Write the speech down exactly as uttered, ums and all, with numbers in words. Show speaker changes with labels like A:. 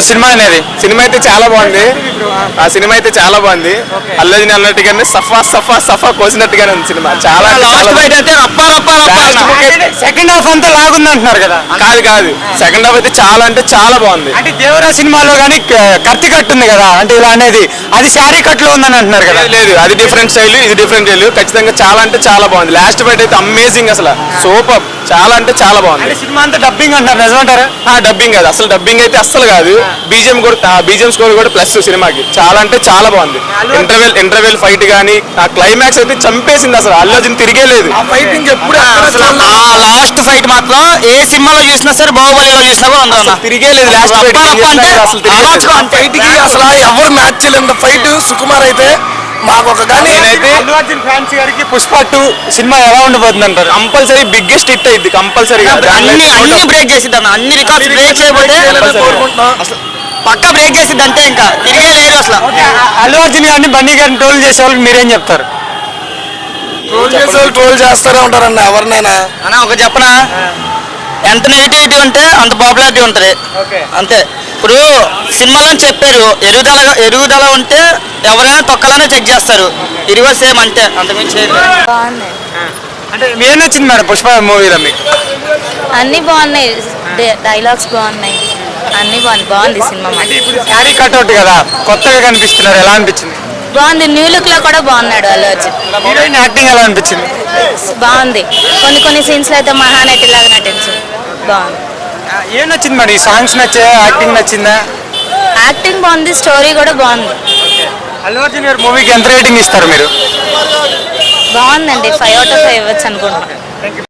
A: Cinema అనేది?
B: Cinema అయితే చాలా బాగుంది. ఆ సినిమా అయితే చాలా బాగుంది. అల్లు అర్జున్ అన్నట్టుగానే సఫా సఫా సఫా కోసినట్టుగానే ఉంది సినిమా. చాలా
A: లాస్ట్ బైట్ అయితే రప్ప రప్ప రప్ప. సెకండ్ హాఫ్ అంతా లాగుంది అంటున్నారు కదా?
B: కాదు కాదు సెకండ్ హాఫ్ అయితే చాలా అంటే చాలా బాగుంది.
A: అంటే దేవరా సినిమాలో కానీ కత్తి కట్టు ఉంది కదా, అంటే ఇలా అనేది అది శారీ కట్లో ఉందని అంటున్నారు కదా?
B: లేదు అది డిఫరెంట్ స్టైల్, ఇది డిఫరెంట్ స్టైల్. ఖచ్చితంగా చాలా అంటే చాలా బాగుంది. లాస్ట్ బైట్ అయితే అమేజింగ్, అసలు సూపర్, చాలా అంటే చాలా బాగుంది.
A: సినిమా అంతా డబ్బింగ్ అంటారు, నిజమంటారా?
B: ఆ డబ్బింగ్ కాదు, అసలు డబ్బింగ్ అయితే అస్సలు కాదు. బీజిఎం కూడా బీజిఎం స్కోర్ కూడా ప్లస్ సినిమాకి చాలా అంటే చాలా బాగుంది. ఇంటర్వెల్ ఇంటర్వెల్ ఫైట్ కానీ ఆ క్లైమాక్స్ అయితే చంపేసింది. అసలు అల్లు అర్జున్ తిరిగే లేదు.
A: ఫైటింగ్ ఎప్పుడు లాస్ట్ ఫైట్ మాత్రం ఏ సినిమాలో చూసినా సరే, బాహుబలిలో చూసినా కూడా
B: తిరిగే లేదు. లాస్ట్ ఫైట్ అసలు
C: ఫైట్ కి అసలు ఎవరు మ్యాచ్ చేయలేదు ఫైట్. సుకుమార్ అయితే మాకు ఒక కానీ
A: అల్లు అర్జున్ ఫ్యాన్స్ గారికి పుష్ప టూ సినిమా ఎలా ఉండబోతుంది అంటారు?
B: కంపల్సరీ బిగ్గెస్ట్ హిట్ అయింది కంపల్సరీగా.
D: అన్ని అన్ని బ్రేక్ చేసిద్ది అన్న, అన్ని రికార్డ్స్ బ్రేక్ చేయబోతే పక్క బ్రేక్ చేసిద్ది అంతే, ఇంకా తిరిగే లేదు అసలు.
A: అల్లు అర్జున్ గారిని బన్నీ గారిని ట్రోల్ చేసే వాళ్ళు మీరేం చెప్తారు?
C: ట్రోల్ చేసే వాళ్ళు ట్రోల్ చేస్తూనే ఉంటారన్న ఎవరినైనా.
D: అన్న ఒక చెప్పనా, ఎంత నెగిటివిటీ ఉంటే అంత పాపులారిటీ ఉంటుంది అంతే. ఇప్పుడు సినిమాలో చెప్పారు ఎరుగుదల ఎరుగుదల ఉంటే ఎవరైనా తొక్కలనే చెక్ చేస్తారు, ఇరువ సేమ్ అంటే అంతకుమించి
E: బాగున్నాయి.
A: అంటే ఏం నచ్చింది మేడం పుష్ప మూవీలో మీకు?
E: అన్ని బాగున్నాయి, డైలాగ్స్ బాగున్నాయి, అన్ని బాగుంది. బాగుంది సినిమా.
A: ఇప్పుడు శారీ కట్అవుట్ కదా, కొత్తగా కనిపిస్తున్నారు, ఎలా అనిపించింది?
E: బాగుంది, న్యూ లుక్ లో కూడా బాగున్నాడు అల్లు అర్జున్.
A: హీరోయిన్ యాక్టింగ్ ఎలా అనిపించింది?
E: బాగుంది, కొన్ని కొన్ని సీన్స్ లో అయితే మహానటి లాగా నటించింది. బాగుంది.
A: ఏం నచ్చింది మేడం? ఈ సాంగ్స్ నచ్చా, యాక్టింగ్ నచ్చిందా?
E: యాక్టింగ్ బాగుంది, స్టోరీ కూడా బాగుంది.
A: అల్లు అర్జున్ గారి మూవీకి ఎంత రేటింగ్ ఇస్తారు మీరు?
E: బాగుందండి, ఫైవ్ అవుట్ ఆఫ్ ఫైవ్ ఇవ్వచ్చు అనుకుంటున్నాను.